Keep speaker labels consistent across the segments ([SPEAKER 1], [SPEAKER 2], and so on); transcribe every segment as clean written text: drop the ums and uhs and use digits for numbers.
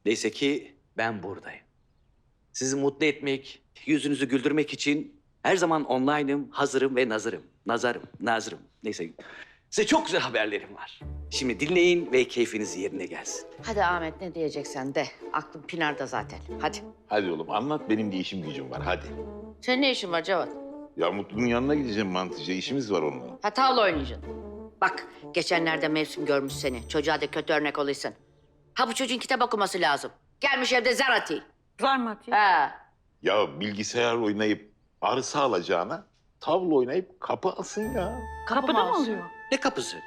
[SPEAKER 1] Neyse ki ben buradayım. Sizi mutlu etmek, yüzünüzü güldürmek için her zaman online'ım, hazırım ve nazırım. Neyse, size çok güzel haberlerim var. Şimdi dinleyin ve keyfiniz yerine gelsin.
[SPEAKER 2] Hadi Ahmet ne diyeceksen de. Aklım Pinar'da zaten. Hadi.
[SPEAKER 3] Hadi oğlum anlat, benim de işim gücüm var, hadi.
[SPEAKER 2] Senin ne işin var Cevat?
[SPEAKER 3] Ya Mutlu'nun yanına gideceğim mantıcıya, işimiz var onunla.
[SPEAKER 2] Ha tavla oynayacaksın. Bak geçenlerde mevsim görmüş seni. Çocuğa da kötü örnek oluyorsun. Ha bu çocuğun kitap okuması lazım. Gelmiş evde zar atıyor.
[SPEAKER 4] Zar mı atayım?
[SPEAKER 2] Ha.
[SPEAKER 3] Ya bilgisayar oynayıp arsa alacağına tavla oynayıp kapı alsın ya.
[SPEAKER 4] Kapıda mı
[SPEAKER 2] olsun?
[SPEAKER 4] alıyor?
[SPEAKER 1] Ne kapısı?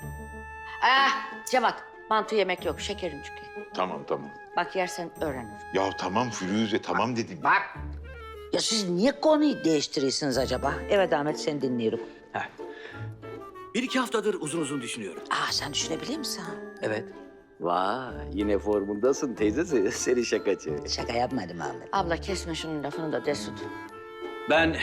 [SPEAKER 2] Cevat mantı yemek yok. Şekerim çünkü.
[SPEAKER 3] Tamam.
[SPEAKER 2] Bak yersen öğrenir.
[SPEAKER 3] Ya tamam Firuze, tamam dedim.
[SPEAKER 2] Bak.
[SPEAKER 5] Ya siz niye konuyu değiştiriyorsunuz acaba? Evet Ahmet, seni dinliyorum.
[SPEAKER 1] Heh. Bir iki haftadır uzun uzun düşünüyorum.
[SPEAKER 5] Sen düşünebilir misin?
[SPEAKER 1] Evet. Vay, yine formundasın teyzesi. Seni şakacı.
[SPEAKER 5] Şaka yapmadım Ahmet.
[SPEAKER 2] Abla kesme şunun lafını da Desut.
[SPEAKER 1] Ben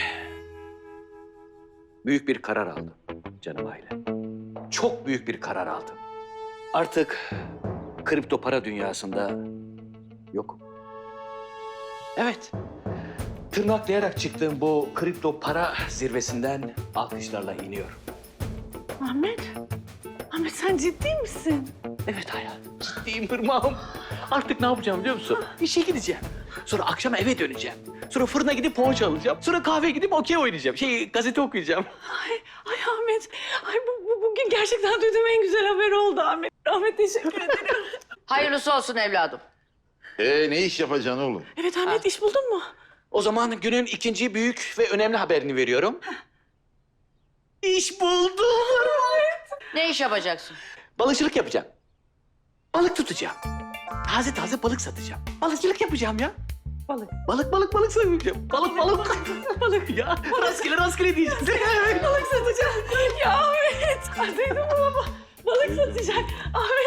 [SPEAKER 1] büyük bir karar aldım canım aile. Çok büyük bir karar aldım. Artık kripto para dünyasında yokum. Evet. Tırnaklayarak çıktığım bu kripto para zirvesinden alkışlarla iniyorum.
[SPEAKER 4] Ahmet. Ahmet sen ciddi misin?
[SPEAKER 1] Evet hayatım, ciddiyim Hırmağım. Artık ne yapacağım biliyor musun? İşe gideceğim. Sonra akşam eve döneceğim. Sonra fırına gidip poğaça alacağım. Sonra kahveye gidip okey oynayacağım. Gazete okuyacağım.
[SPEAKER 4] Ay Ahmet. Ay bugün gerçekten duyduğum en güzel haber oldu Ahmet. Ahmet teşekkür ederim.
[SPEAKER 2] Hayırlısı olsun evladım.
[SPEAKER 3] Ne iş yapacaksın oğlum?
[SPEAKER 4] Evet Ahmet iş buldun mu?
[SPEAKER 1] O zaman günün ikinci büyük ve önemli haberini veriyorum. İş buldum.
[SPEAKER 2] Ne iş yapacaksın?
[SPEAKER 1] Balıkçılık yapacağım. Balık tutacağım. Taze taze balık satacağım. Balıkçılık yapacağım ya.
[SPEAKER 4] Balık.
[SPEAKER 1] Balık satacağım. Balık ya. Rastgele diyeceğim.
[SPEAKER 4] Balık satacağım. Ya Ahmet. Ay, duydun mu baba? Balık satacak. Ahmet